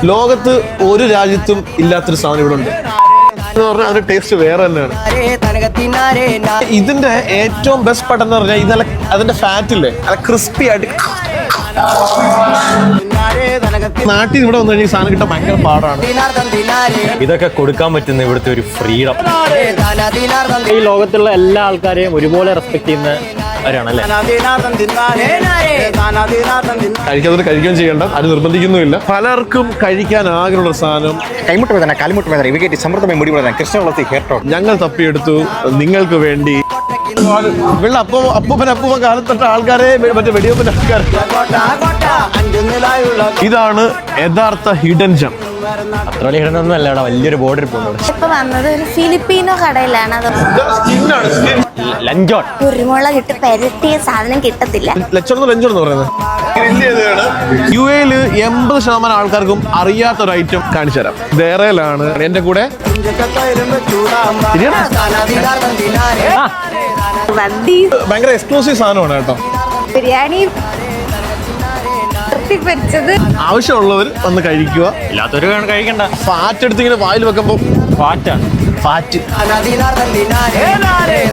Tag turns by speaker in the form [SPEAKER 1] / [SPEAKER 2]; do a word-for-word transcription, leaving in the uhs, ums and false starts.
[SPEAKER 1] ലോകത്ത് ഒരു രാജ്യത്തും ഇല്ലാത്തൊരു സാധനം ഇവിടെ ഉണ്ട്. അതിന്റെ ടേസ്റ്റ് വേറെ തന്നെയാണ്. ഇതിന്റെ ഏറ്റവും ബെസ്റ്റ് പാർട്ട് എന്ന് പറഞ്ഞാൽ ഇതല്ല, അതിന്റെ ഫാറ്റ് ഇല്ലേ, അത് ക്രിസ്പി ആയിട്ട്. നാട്ടിൽ ഇവിടെ വന്നു കഴിഞ്ഞാൽ ഈ സാധനം കിട്ടാൻ ഭയങ്കര പാടാണ്.
[SPEAKER 2] ഇതൊക്കെ കൊടുക്കാൻ പറ്റുന്ന ഇവിടുത്തെ ഒരു ഫ്രീഡം.
[SPEAKER 3] ഈ ലോകത്തുള്ള എല്ലാ ആൾക്കാരെയും ഒരുപോലെ റെസ്പെക്ട് ചെയ്യുന്നവരാണല്ലേ.
[SPEAKER 1] കഴിക്കാതെ കഴിക്കുകയും ചെയ്യേണ്ട, അത് നിർബന്ധിക്കുന്നുമില്ല. പലർക്കും കഴിക്കാൻ ആഗ്രഹമുള്ള സാധനം
[SPEAKER 2] കൈമുട്ട് വേദന, കാലിമുട്ട് വേദന, ഇവയ്ക്ക് സമൃദ്ധമായി മുടി വേദന, കൃഷ്ണവളത്തി ഹെയർ ടോൺ
[SPEAKER 1] ഞങ്ങൾ തപ്പിയെടുത്തു നിങ്ങൾക്ക് വേണ്ടി. വെള്ള അപ്പ അപ്പൂപ്പൻ അപ്പൂപ്പൻ കാലത്തൊട്ട ആൾക്കാരെ, മറ്റേ വെടിയപ്പൻ ആൾക്കാർ. ഇതാണ് യഥാർത്ഥ ഹിഡൻ ജം.
[SPEAKER 2] അത്ര വലിയ ഹിഡൻ ഒന്നും അല്ല, വലിയൊരു ബോർഡർ പോകുന്നത്.
[SPEAKER 4] ഇപ്പൊ വന്നത് ഒരു ഫിലിപ്പീനോ കടയിലാണ്. അത്
[SPEAKER 2] ലഞ്ചോൺ
[SPEAKER 4] കുരുമുളക് ഇട്ട് പെരട്ടിയ സാധനം കിട്ടത്തില്ല.
[SPEAKER 1] ലച്ചോണെന്ന് ലഞ്ചോണെന്ന് പറയുന്നത് യു എയില് എൺപത് ശതമാനം ആൾക്കാർക്കും അറിയാത്ത ഒരു ഐറ്റം കാണിച്ചു തരാം. ദേറയിലാണ് എന്റെ കൂടെ. ഭയങ്കര എക്സ്ക്ലൂസീവ് സാധനമാണ് കേട്ടോ.
[SPEAKER 4] ബിരിയാണി
[SPEAKER 1] ആവശ്യമുള്ളവർ വന്ന് കഴിക്കുക,
[SPEAKER 2] ഇല്ലാത്തൊരു കഴിക്കണ്ട.
[SPEAKER 1] ഫാറ്റ് എടുത്ത് ഇങ്ങനെ വായിൽ വെക്കുമ്പോ
[SPEAKER 2] ഫാറ്റാണ്
[SPEAKER 1] ഫാറ്റ്